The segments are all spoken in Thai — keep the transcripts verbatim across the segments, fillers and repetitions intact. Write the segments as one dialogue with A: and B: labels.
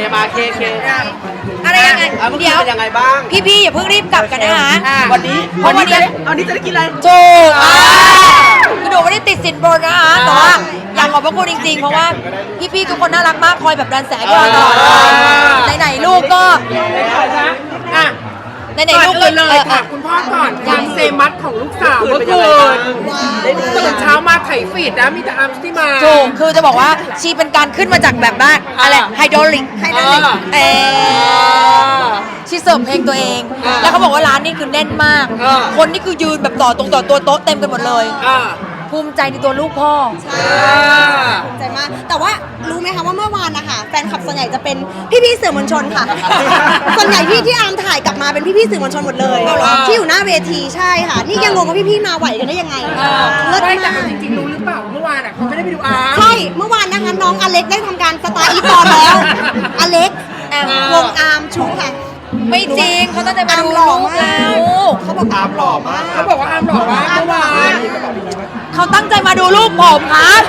A: มาเคเค
B: อะไรยังไง
A: เดี๋ยวยังไงบ้าง
B: พี่ๆอย่าเพิ่งรีบกลับกันนะคะ
A: วันนี้เพราะวันนี้วันนี้จะได้กินอะไร
B: ถูกคือหนูไม่ได้ติดสินบนนะคะแต่ว่าอยากขอบพระคุณจริงๆเพราะว่าพี่ๆทุกคนน่ารักมากคอยแบบดันแสงให้เราตลอดไหนๆลูกก็
C: อ่ะ
B: ไหนๆลูก
C: เลยเลยค่ะคุณพ่อก่อนยังเซมัสของลูกสาวเมื่อคืนตื่นเช้ามาไถฟีดนะมีแต่อัมที่มา
B: ถูกคือจะบอกว่าชีเป็นการขึ้นมาจากแบบบ้านอะไรไฮดรอลิกไฮดรอลิกเออชีเสริมเพลงตัวเองแล้วเขาบอกว่าร้านนี่คือแน่นมากคนนี่คือยืนแบบต่อตรงต่อตัวโต๊ะเต็มกันหมดเลยภูมิใจในตัวลูกพ่อ
D: ใช่ภูมิใจมากแต่ว่ารู้ไหมคะว่าเมื่อวานนะคะแฟนคลับส่วนใหญ่จะเป็นพี่ๆสื่อมวลชนค่ะส่วนใหญ่ที่ที่อาร์มถ่ายกลับมาเป็นพี่ๆสื่อมวลชนหมดเลยที่อยู่หน้าเวทีใช่ค่ะนี่ยังงงว่าพี่ๆมาไหวกันได้ยังไง
C: เลิศมากจริงๆรู้หรือเปล่าเมื่อวานอ่ะเขาไม่ได้ไปดูอาร์ม
D: ใช่เมื่อวานนะคะน้องอเล็กได้ทำการสตาร์อีฟอนแล้วอเล็กวงอาร์มชูค่ะ
B: ไม่จริงเขาตั้งใจมาดูลูกแล้ว
D: เขาบอกอาร์มหล่อมาก
C: เขาบอกว่าอาร์มหล่อมากเมื่อวาน
B: เขาตั้งใจมาดูลูกผมครับ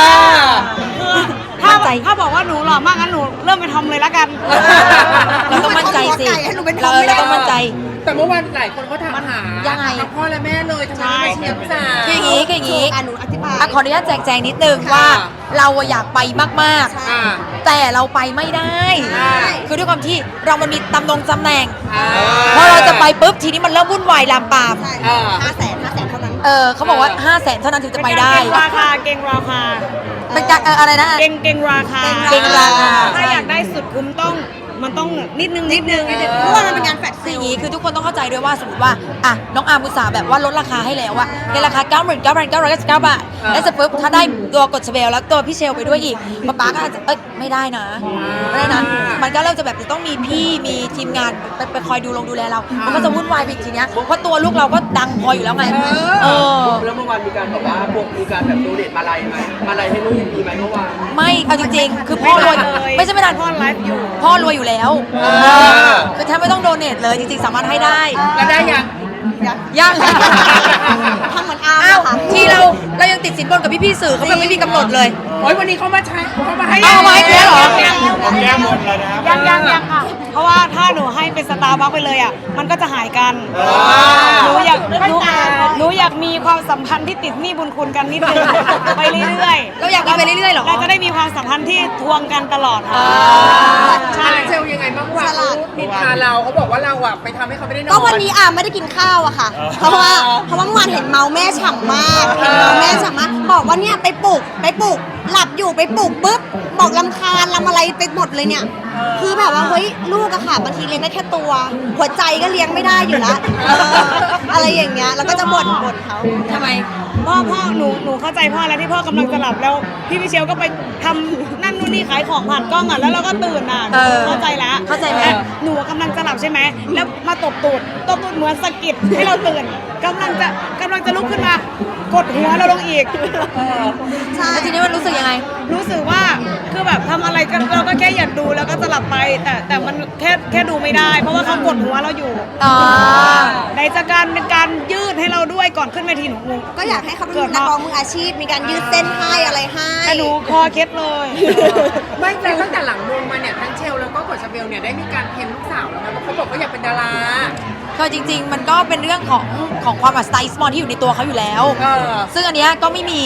E: ถ้าถ้าบอกว่าหนูหล่อมากงั้นหนูเริ่มไปทอมเลยละกัน
B: เราต้องมั่นใจสิเราเราต้องมั่นใจ
C: แต่เมื่อวานหลายคนเขาถามหา
B: ยังไง
C: พ่อและแม่เลยทำไมไม่เชียร์พี่สาว
B: คืออย่างนี้คืออย่างนี้
D: หนูอธิบาย
B: ขออนุญาตแจกแจงนิดนึงว่าเราอยากไปมากๆแต่เราไปไม่ได้คือด้วยความที่เรามันมีตำแหน่งตำแหน่งพอเราจะไปปุ๊บทีนี้มันเริ่มวุ่นวายลามปาม
D: ห้าแสนห้าแสนเท่านั้น
B: เออเขาบอกว่าห้าแสนเท่านั้นถึงจะไปได้
E: เก่งราคาเก่งราคา
B: เป็นการอะไรนะ
E: เก่งเก่งราคา
B: เก่งราคา
E: ถ้าอยากได้สุดคุ้มต้องมันต้องนิดนึงนิดนึง
D: เพราะว่ามันเป็นงานแฟลช
B: คืออย่างนี้คือทุกคนต้องเข้าใจด้วยว่าสมมติว่าอ่ะน้องอาร์มุสาแบบว่าลดราคาให้แล้วอะในราคา เก้าหมื่นเก้าพันเก้าร้อยเก้าสิบเก้า บาทแล้วเสร็จปุ๊บถ้าได้ตัวกดเชเบลแล้วตัวพี่เชลไปด้วยอีกป๊าป๊าก็อาจจะเอ้ยไม่ได้นะไม่ได้นะมันก็เริ่มจะแบบจะต้องมีพี่มีทีมงานไปไปคอยดูลงดูแลเรามันก็จะวุ่นวายไปอีกทีเนี้ยเพราะตัวลูกเราก็ดังพออยู่แล้วไงเออ
A: แล้วเมื่อวานมีการบอกว่าพวกมีการแบบโดเนทมาลัยไหมมาลัยให้ลูกมีไหมเมื่อวาน
B: ไม่เอาจริงๆคือพ่อรวยไม่ใช่ไม่นาน
E: พ่อไลฟ์อยู่
B: พ่อรวยอยู่แล้วคือแทบไม่ต้องโดเนทเลยจริงๆสามารถให้ได้
C: แล้วได้ยัง
B: ยัง
D: ทำเหมือนอาร์มค่ะ
B: ที่เราเรายังติดสินบนกับพี่ๆสื่อเขาแบบไม่มีกำหนดเลย
C: โอ้ยวันนี้เขามาใช้เขามาให้
B: เอาไว้แล้วเหรอ
E: แก้หมดเลยนะยังยังยังค่ะเพราะว่าถ้าหนูให้เป็นสตาร์บัคไปเลยอ่ะมันก็จะหายกันหนูอยากหนูหนูอยากมีความสัมพันธ์ที่ติดหนี้บุญคุณกันนิดนึงไปเรื่อย
B: ๆเราอยากมีไปเรื่อยๆหรอ
E: เราจะได้มีความสัมพันธ์ที่ทวงกันตลอดค่ะ
C: ใช่เซลยังไงบ้างวะนิทาเราเขาบอกว่าเราอะไปทำให้เขาไม่ได้นอน
D: ก็วันนี้อาร์มไม่ได้กินข้าวอะค่ะเพราะว่าเพราะว่าเมื่อวานเห็นเมาแม่ฉ่ำมากเห็นเมาแม่ฉ่ำมากบอกว่าเนี่ยไปปลุกไปปลุกหลับอยู่ไปปลุกปุ๊บบอกลำคาญลำอะไรไปหมดเลยเนี่ยคือแบบว่าเฮ้ยลูกอะค่ะบางทีเลี้ยงได้แค่ตัวหัวใจก็เลี้ยงไม่ได้อยู่แล้วอะไรอย่างเงี้ยแล้วก็จะบ่นบ่นเขา
B: ทำไม
E: พ่อพ่อหนูหนูเข้าใจพ่อแล้วที่พ่อกำลังจะหลับแล้วพี่พิเชลก็ไปทำนั่นนู่นนี่ขายของผ่านกล้องอ่ะแล้วเราก็ตื่นอ่ะเข้าใจแล้ว
B: เข้าใจไหม
E: หนูกำลังจะหลับใช่ไหมแล้วมาตบตูดตบตูดเหมือนสะกิดให้เราตื่นกำลังจะกำลังจะลุกขึ้นมากดหัวเราลงอีก
B: ใช่ทีนี้มันรู้สึกยังไง
E: รู้สึกว่าคือแบบทำอะไรกันเราก็แค่อยากดูแล้วก็จะหลับไปแต่แต่มันแค่แค่ดูไม่ได้เพราะว่าเขากดหัวเราอยู่ในจากการเป็นการยืดให้เราด้วยก่อนขึ้นเวทีหนู
D: ก็อยากให้เขาเป็นนักร้องมืออาชีพมีการยืดเส้นให้อะไรให้
E: แต่หนูคอเคล็ดเลย
C: ไม่แต่ตั้งแต่หลังวงมาเนี่ยทั้งเชลแล้วก็กดชาเบลเนี่ยได้มีการเทรนลูกสาวแล้วนะเขาบอกว่าอยากเป็นดารา
B: ก็จริงๆมันก็เป็นเรื่องของของความแบบสไตล์สมอลที่อยู่ในตัวเขาอยู่แล้วซึ่งอันเนี้ยก็ไม่มี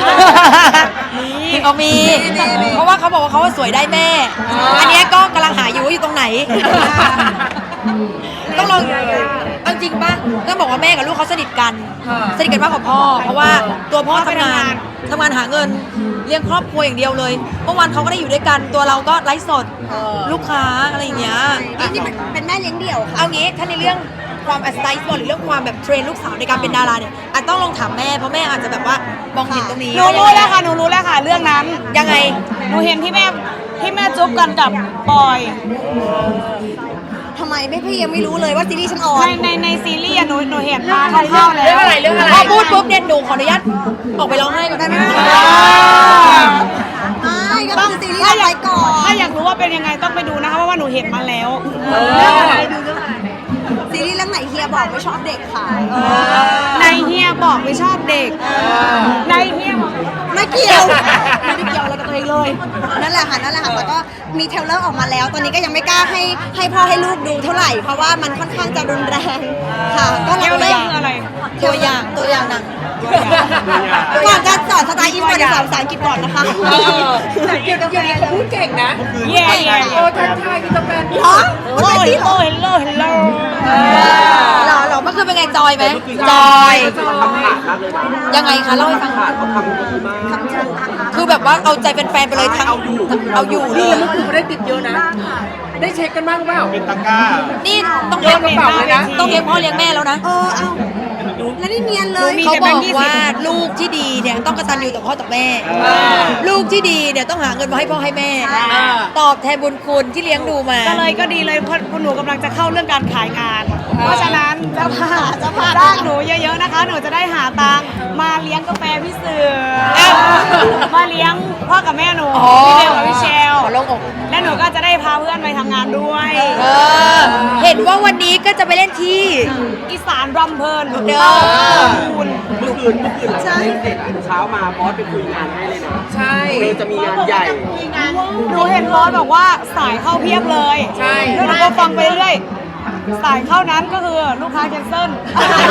B: เขามีเพราะว่าเขาบอกว่าเขาสวยได้แม่อันเนี้ยก็กำลังหาอยู่ว่าอยู่ตรงไหนต้องลองเอาจริงป่ะต้องบอกว่าแม่กับลูกเขาสนิทกันสนิทกันมากกว่าพ่อเพราะว่าตัวพ่อทำงานทำงานหาเงินเลี้ยงครอบครัวอย่างเดียวเลยเมื่อวานเขาก็ได้อยู่ด้วยกันตัวเราก็ไลฟ์สดลูกค้าอะไรอย่างเงี้ย
D: นี่เป็นแม่เลี้ยงเดี่ยวค่ะ
B: เอางี้ถ้าในเรื่องความสไตล์สปอร์ตหรือเรื่องความแบบเทรนลูกสาวในการเป็นดาราเนี่ยอาจต้องลองถามแม่เพราะแม่อาจจะแบบว่ามองเห็นตรงนี้
E: หนูรู้แล้วค่ะหนูรู้แล้วค่ะเรื่องนั้น
B: ยังไง
E: หนูเห็นที่แม่ที่แม่จุ๊บกันกับปอย
D: ทำไมแม่พี่ยังไม่รู้เลยว่าซีรีส์ฉันออน
E: ในในในซีรีส์หนูหนูเห็นมาคร่าวๆแล้ว
C: เรื่องอะไรเรื่องอะไร
B: พอพูดปุ๊บเนี่ยหนูขออนุญาตออกไปร้องไห้ก่อนได้ไหม
D: ไม่ก็ต้องซีรีส์อะไรก่อน
E: ถ้าอยากรู้ว่าเป็นยังไงต้องไปดูนะคะเพราะว่าหนูเห็นมาแล้ว
C: เรื่องอะไรดูเรื่องอะไร
D: ซีรีส์เรื่องไหนเฮียบอกไม่ชอบเด็กค่ะ
E: ในเฮียบอกไม่ชอบเด็กในเฮียบอก
D: ไม่เกี่ยว ไม่ได้เกี่ยวอะไรกับตัวเองเลย นั่นแหละค่ะ นั่นแหละค่ะ แต่ก็มีเทรลเลอร์ออกมาแล้ว ตอนนี้ก็ยังไม่กล้าให้ให้พ่อให้ลูกดูเท่าไหร่ เพราะว่ามันค่อนข้างจะรุนแรงค่ะ ก็
E: เที่ยว
D: เรา
E: เล่
D: อยาก
E: คืออะไร
B: ตัวอย่างตัวอย่างหนัง
D: ก่อนจะสอนสไตล์อินเตอร์สอนภาษาอังกฤษก่อนนะคะ
C: แต่เกี่ยวกับอย่างนี้เขาพูดเก่งนะ
E: เย่เย่
C: โอ้ทักทายกินกาแฟ
D: เหรอ
E: โอ้เฮลโลเฮลโลเฮลโล
B: หรอหรอเมื่อคืนเป็นไงจอยไหมจอย
A: เขาทำผ่านมากเลยนะ
B: ยังไงคะเล่าให้ฟัง
A: ผ่านเขาทำดีมาก
B: คือแบบว่าเอาใจแฟนๆไปเลยทั้งเอาอยู่เล
C: นี่
B: ย
C: เมื่อคืนไม่ได้ติดเยอะนะ ได้เช็คกันบ้างหรือเปล่า
F: เป็นตะกร้า
B: นี่ต้อง
C: โย
B: เลี้ย
C: น
B: ง
C: กระเป๋าเลยนะ
B: ต้องเลี้ยงพ่อเลี้ยงแม่แล้วนะ
D: เออ เอาแล้วนี่เนียนเลย
B: เขาบอกว่าลูกที่ดีเนี่ยต้องกตัญญูต่อพ่อต่อแม่ ลูกที่ดีเนี่ยต้องหาเงินมาให้พ่อให้แม่ ตอบแทนบุญคุณที่เลี้ยงดูมา
E: ก็เลยก็ดีเลยเพราะเพราะหนูกำลังจะเข้าเรื่องการขายงาน เพราะฉะนั้นเจ้าภาพเจ้าภาพจ้างหนูเยอะๆนะคะ หนูจะได้หาตังค์มาเลี้ยงกาแฟพี่เสือมาเลี้ยงพ่อกับแม่หนู
B: อ๋อ
E: พี่เบลกับพี่เชล
B: ขอลงอก
E: และหนูก็จะได้พาเพื่อนไปทำงานด้วย
B: เออ เห็นว่าวันนี้ก็จะไปเล่นที่
E: อีสานรำเพลิน
B: เด้อ
E: คุณ
A: เมื่อคืนเมื่อคืนหลังจากเล่นเสร็จอะเช้ามาบอสไปคุยงานให้เลยนะ
C: ใช่
A: เออจะมีงานใหญ่
E: หนูเห็นบอสบอกว่าสายเข้าเพียบเลย
C: ใช่
E: แล้วหนูก็ฟังไปเรื่อยสายเข้านั้นก็คือลูกค้าแคนเซิล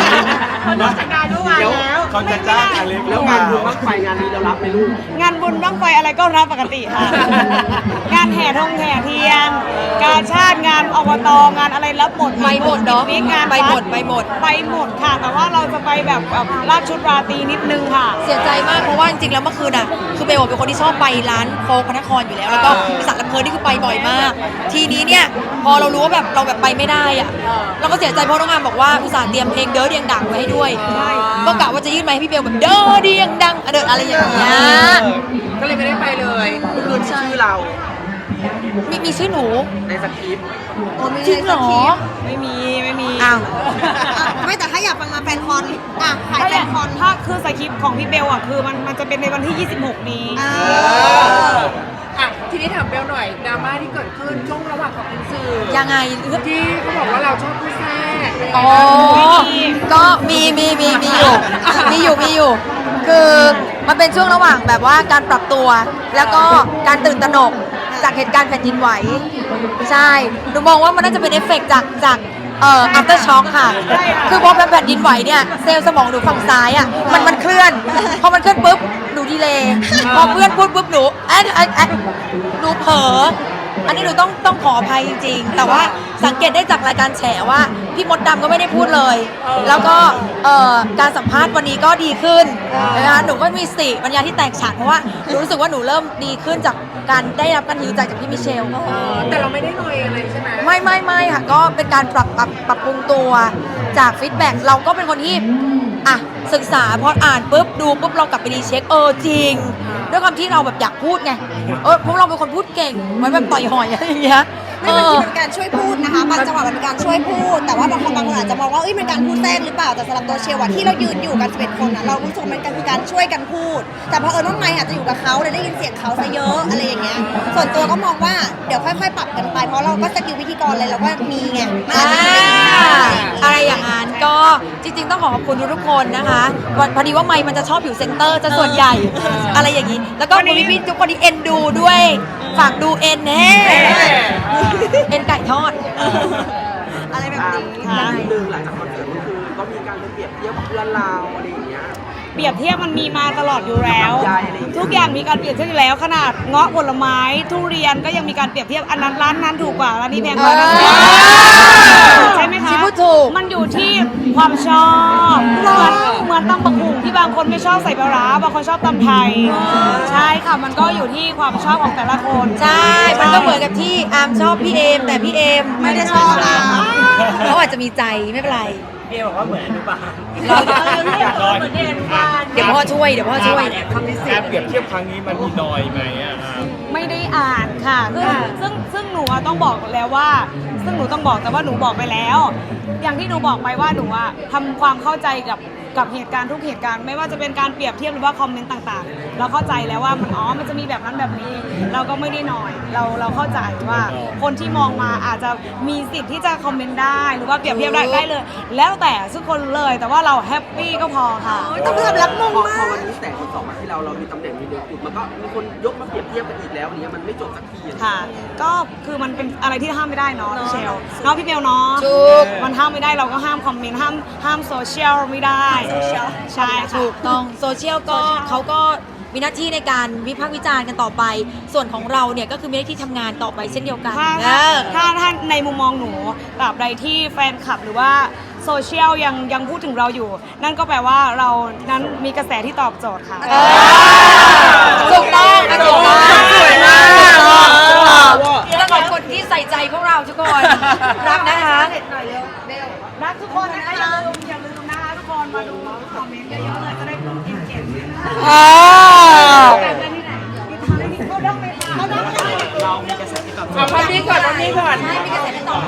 A: แล้ว
F: เขาจะจ้างอเล็ก
A: แล้วงานบุญบ้างไฟงานนี้เรารับไหมลูก
E: งานบุญบ้างไฟอะไรก็รับปกติค่ะ งานแห่ธงแห่เทียน การชาติงานอบตงานอะไรรับหมด
B: ไปหมดเนาะ
E: ปิกนิกงาน
B: ไปหมด
E: วั
B: ไปหมด
E: ไปหมดค่ะ แต่ว่าเราจะไปแบบแบบลาดชุดราตรีนิดนึงค่ะ
B: เสียใจมากเพราะว่าจริงๆแล้วเมื่อคืนอ่ะคือเบลเป็นคนที่ชอบไปร้านโฟกพระนครอยู่แล้ว แล้วก็อีสานลำเพลินนี่คือไปบ่อยมาก ทีนี้เนี่ยพอเรารู้ว่าแบบเราแบบไปไม่ได้อ่ะเราก็เสียใจเพราะน้องงามบอกว่าอุตส่าห์เตรียมเพลงเด้อเดียงดังไว้ให้ด้วยก็กะว่าจะยื่นไมค์ให้พี่เบลแบบเด้อเดียงดังเดินอะไรอย่างเงี้ย
C: ก็เลยไม่ได้ไปเลย
A: เมื่อคืนมีชื่อเรา
B: มีมีชื่อหนู
A: ในสคริปต์
D: โอ้มี
B: จริงเหรอ
E: ไม่มีไม่มี
B: อ้าว
D: อ่ะไม่แต่ถ้าอยากฟังมาแฟนคอนอ่ะขาย
E: ถ้า
D: แฟ
E: อยาก
D: นคอน
E: ถ้าคือสคริปต์ของพี่เบลอ่ะคือมันมันจะเป็นในวันที่ ยี่สิบหก นี้
D: อ่า
C: อ่ะทีนี้ถามเบลหน่อยดราม่าที่เกิดขึ้นช่วงระหว่างของคุณสื่อ
B: ยังไง
C: ที่เขาบอกว่าเราชอบผู้แทรก
B: อ๋อ ก็มีมีมีมีอยู่ มีอยู่มีอยู่ คือมันเป็นช่วงระหว่างแบบว่าการปรับตัว แล้วก็การตื่นตระหนกจากเหตุการณ์แผ่นดินไหว ใช่ หนูมองว่ามันน่าจะเป็นเอฟเฟกต์จากจากเอ่อ after shock ค่ะ คือพอแผ่นดินไหวเนี่ยเซลล์สมองหนูฝั่งซ้ายอ่ะมันมันเคลื่อน พอมันเคลื่อนปุ๊บหนูดีเลยพอเพื่อนพูดปุ๊บหนูแอะแอะแอะหนูเผลอ อันนี้หนูต้องต้องขออภัยจริงๆ แต่ว่าสังเกตได้จากรายการแฉว่าพี่มดดำก็ไม่ได้พูดเลย แล้วก็เอ่อการสัมภาษณ์วันนี้ก็ดีขึ้นนะคะหนูก็มีสติปัญญาที่แตกฉานเพราะว่าหนูรู้สึกว่าหนูเริ่มดีขึ้นจากการได้รับการฮิวใจจากพี่มิเชล
C: เออแต่เราไม่ได้หน่อยอะไรใช่ไหม
B: ไม่ไม่ไม่ค่ะก็เป็นการปรับปรับปรับปรุงตัวจากฟีดแบ็กเราก็เป็นคนที่อ่ะศึกษาพออ่านปุ๊บดูปุ๊บเรากลับไปรีเช็คเออจริง ด้วยความที่เราแบบอยากพูดไงเออพวกเราเป็นคนพูดเก่งเหมือนแบบต่อยหอยอะไรอย่างเงี้ย
D: ไม่บางทีมันเป็นการช่วยพูดนะคะบางจังหวะมันเป็นการช่วยพูด แต่ว่าบางคนบางคนอาจจะมองว่าเอ้ยมันการพูดแทรกหรือเปล่าแต่สำหรับตัวเชลว่าที่เรายืนอยู่กันสิบเอ็ดคนอ่ะเรารู้สึกว่ามันคือการช่วยกันพูด แต่พอเออน้องไมค์อาจจะอยู่กับเขาเลยได้ยินเสียงเขาซะเยอะอะไรอย่างเงี้ยส่วนตัวก็มองว่าเดี๋ยวค่อยๆ ปรับกันไปเพราะเราก็สกิลพิธีกรเลยเราก็มีไงมันอาจจะไม่ได้ดีมาก
B: อะไรอย่างนั้นก็จริงๆต้องขอขอบคุณทุกๆคนนะคะวันพอดีว่าไมค์มันจะชอบอยู่เซนเตอร์จะส่วนใหญ่อะไรอย่างนี้ แล้วก็คุณพี่ๆทุกคนที่เอ็นดูด้วยฝากดูเอ็นแน่เอ็นไก่ทอด
D: อะไรแบบนี้
A: อ่านิดนึงหลังจากคอนเสิร์ตก็คือก็มีการไปเปรียบเทียบกับเพื่อนเราอะไรอย่างเงี้ย
E: เปรียบเทียบมันมีมาตลอดอยู่แล้ว
A: ใช่อะไรอย่างเงี้ย
E: ทุกอย่างมีการเปรียบเทียบอยู่แล้วขนาดเงาะผลไม้ทุเรียนก็ยังมีการเปรียบเทียบอันนั้นร้านนั้นถูกกว่าร้านนี้แพงกว่า
B: เออ
E: ใช่ไหมคะ
B: ที่พูดถูก
E: มันอยู่ที่ความชอบเหมือนเหมือนตำบักหุ่งที่บางคนไม่ชอบใส่ปลาร้าบางคนชอบตำไทย ใช่ค่ะมันก็อยู่ที่ความชอบของแต่ละคน
B: ใช่ มันก็เหมือนกับที่อาร์มชอบพี่เอมแต่พี่เอม
D: ไม่ได้ชอบอาร์ม
B: เขาอาจจะมีใจไม่เป็นไร
F: เบียบอกว่าเหมือนอนุบาล
E: เราเหมือนเด็กบ้าน
B: เดี๋ยวพ่อช่วย เดี๋ยวพ่อช่วย
F: การเปรียบเทียบครั้งนี้มันมีนอยไหมอ่ะอ่า
E: ไม่ได้อ่านค่ะซึ่งซึ่งซึ่งหนูอะต้องบอกแล้วว่า ซึ่งหนูต้องบอกแต่ว่าหนูบอกไปแล้ว อย่างที่หนูบอกไปว่าหนูอะทำความเข้าใจกับกับเหตุการณ์ทุกเหตุการณ์ไม่ว่าจะเป็นการเปรียบเทียบหรือว่าคอมเมนต์ต่างๆ เราเข้าใจแล้วว่ามันอ๋อมันจะมีแบบนั้นแบบนี้ เราก็ไม่ได้น้อยเราเราเข้าใจว่าคนที่มองมาอาจจะมีสิทธิ์ที่จะคอมเมนต์ได้หรือว่าเปรียบเทียบได้ได้เลย แล้วแต่ทุกคนเลยแต่ว่าเราแฮปปี้ก็พอค่ะ
D: ต้องยอมรับมง
A: พอ
D: มา
A: พอก วันนี้แสงมันส่องมาที่เราเรามีตำแหน่งมีเดือนขุดมันก็มีคนยกมาเปรียบเทียบกันอีกแล้วอย่างเงี้ยมันไม่จบสักทีอะ
E: ค่ะ ก็คือมันเป็นอะไรที่ห้ามไม่ได้เนาะพี่เชลเนาะพี่เบลเนาะ
B: ถูก
E: มันห้ามไม่ได้เราก็ห้ามคอมเมนต์ห้ามห้ามโซเชียลไม่ได้ใช่ค่ะ
B: ถูกต้องโซเชียลก็เขาก็มีหน้าที่ในการวิพากษ์วิจารณ์กันต่อไป ส่วนของเราเนี่ยก็คือมีหน้าที่ทำงานต่อไปเช่นเดียวกัน
E: ถ้า
B: เออ
E: ถ้าถ้าในมุมมองหนูตราบใดที่แฟนคลับหรือว่าโซเชียลยังยังพูดถึงเราอยู่ นั่นก็แปลว่าเรานั้นมีกระแสที่ตอบโจทย์ค่ะ
B: ถูกต้องอ่ะถูกต้อง
A: สวยมาก
B: ถูกต้องถูกต้องแล้วขอบคนที่ใส่ใจพวกเราทุกคน รักนะคะ
E: รักทุกคนนะคะอย่าลืมอย่าลืมนะคะทุกคนมาดูคอมเมนต์เยอะๆเลยจะได้เก็บเก็บแบบนั้นที่ไหนมีทางได้เขาต้องไปเขาต้องไป
C: เอาพันนี้ก่อนพันนี้ก่อน
B: ใช่มีกระแสที่ตอบ